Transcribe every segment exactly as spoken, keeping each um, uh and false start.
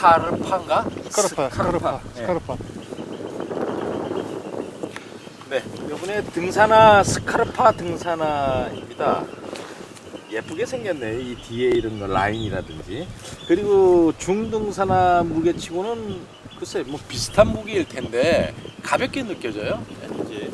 스카르파인가? 스카르파, 스카르파, 네. 스카르파. 네, 이번에 등산화 스카르파 등산화입니다. 예쁘게 생겼네. 이 뒤에 이런 거 라인이라든지. 그리고 중등산화 무게치고는 글쎄 뭐 비슷한 무게일 텐데 가볍게 느껴져요. 네,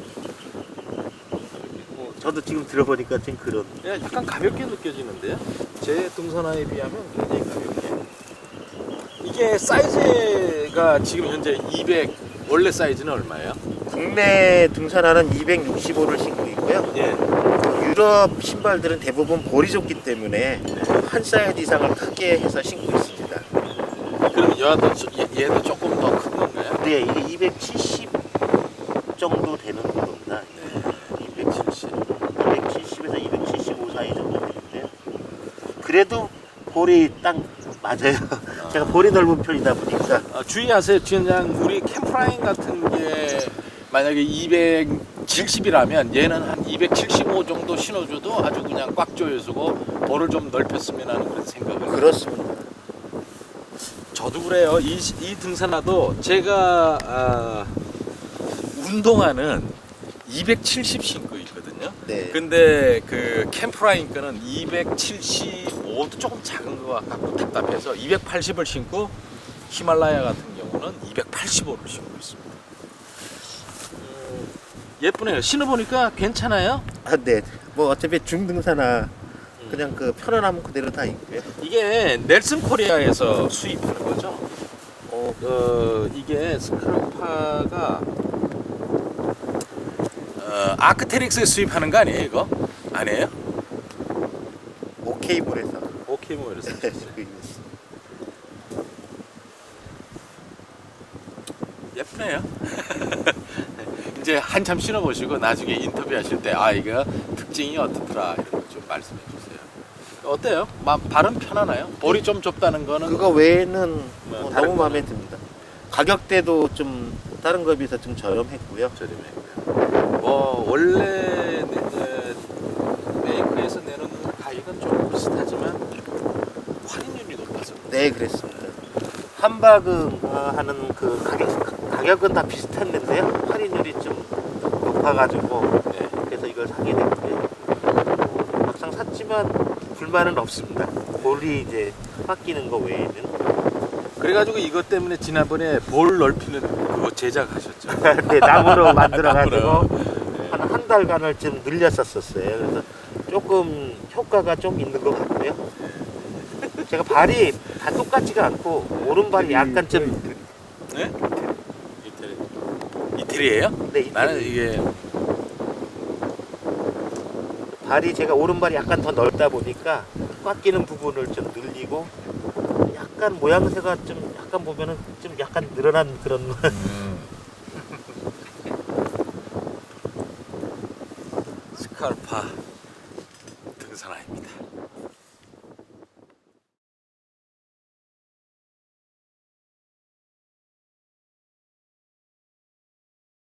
뭐 저도 지금 들어보니까 좀 그런. 예, 약간 가볍게 느껴지는데요. 제 등산화에 비하면 굉장히 가볍게. 이게 사이즈가 지금 현재 이백, 원래 사이즈는 얼마예요? 국내 등산화는 이백육십오를 신고 있고요. 예. 유럽 신발들은 대부분 볼이 좋기 때문에 한 사이즈 이상을 크게 해서 신고 있습니다. 그럼 얘도, 얘도 조금 더 큰 건가요? 네, 이게 이백칠십 정도 되는 겁니다. 네, 이백칠십. 이백칠십에서 이백칠십오 사이 정도 되는데요. 그래도 볼이 딱 맞아요. 제가 볼이 넓은 편이다 보니까. 어, 주의하세요, 주연장. 우리 캠프라인 같은 게 만약에 이백칠십이라면 얘는 한 이백칠십오 정도 신어줘도 아주 그냥 꽉 조여주고 볼을 좀 넓혔으면 하는 그런 생각을. 그렇습니다. 저도 그래요. 이, 이 등산화도 제가 아, 운동화는 이백칠십 신고 있거든요. 네. 근데 그 캠프라인 거는 이백칠십오도 조금 작은 것 같고 답답해서 이백팔십을 신고 히말라야 같은 경우는 이백팔십오를 신고 있습니다. 음, 예쁘네요. 신어보니까 괜찮아요. 아, 네. 뭐 어차피 중등산화 그냥 그 편안함 그대로 다 있고요. 이게 넬슨 코리아에서 수입하는 거죠. 어, 어 이게 스카르파가 어, 아크테릭스에 수입하는 거 아니에요, 이거? 아니에요? 오케이몰에서. 오케이, 뭐 이래서. 예쁘네요. 이제 한참 신어보시고 나중에 인터뷰하실 때 아 이거 특징이 어떻더라 이런 거 좀 말씀해 주세요. 어때요? 마, 발은 편하나요? 볼이 좀 좁다는 거는 그거 외에는 뭐 뭐 다른 너무 마음에 듭니다. 가격대도 좀 다른 거에 비해서 좀 저렴했고요. 저렴해고요. 뭐 원래 내, 메이커에서 내놓는 가격은 좀 비슷하지만 할인율이 높아서 네, 그랬습니다. 한바금 어, 하는 그 가격 가격은 다 비슷했는데요. 할인율이 좀 높아가지고 네. 그래서 이걸 사게 됐는데 뭐, 막상 샀지만 불만은 없습니다. 볼이 이제 바뀌는 거 외에는. 그래가지고 이것 때문에 지난번에 볼 넓히는 그거 제작하셨죠. 네, 나무로 만들어가지고 나무로. 한 한 달간을 좀 늘렸었었어요. 그래서 조금 효과가 좀 있는 것 같고요. 제가 발이 다 똑같지가 않고 오른발이 약간 좀 네? 이태리. 이태리예요? 네, 이태리. 나는 이게 발이 제가 오른발이 약간 더 넓다 보니까 꽉 끼는 부분을 좀 늘리고 약간 모양새가 좀 약간 보면은 좀 약간 늘어난 그런 스카르파 등산화입니다.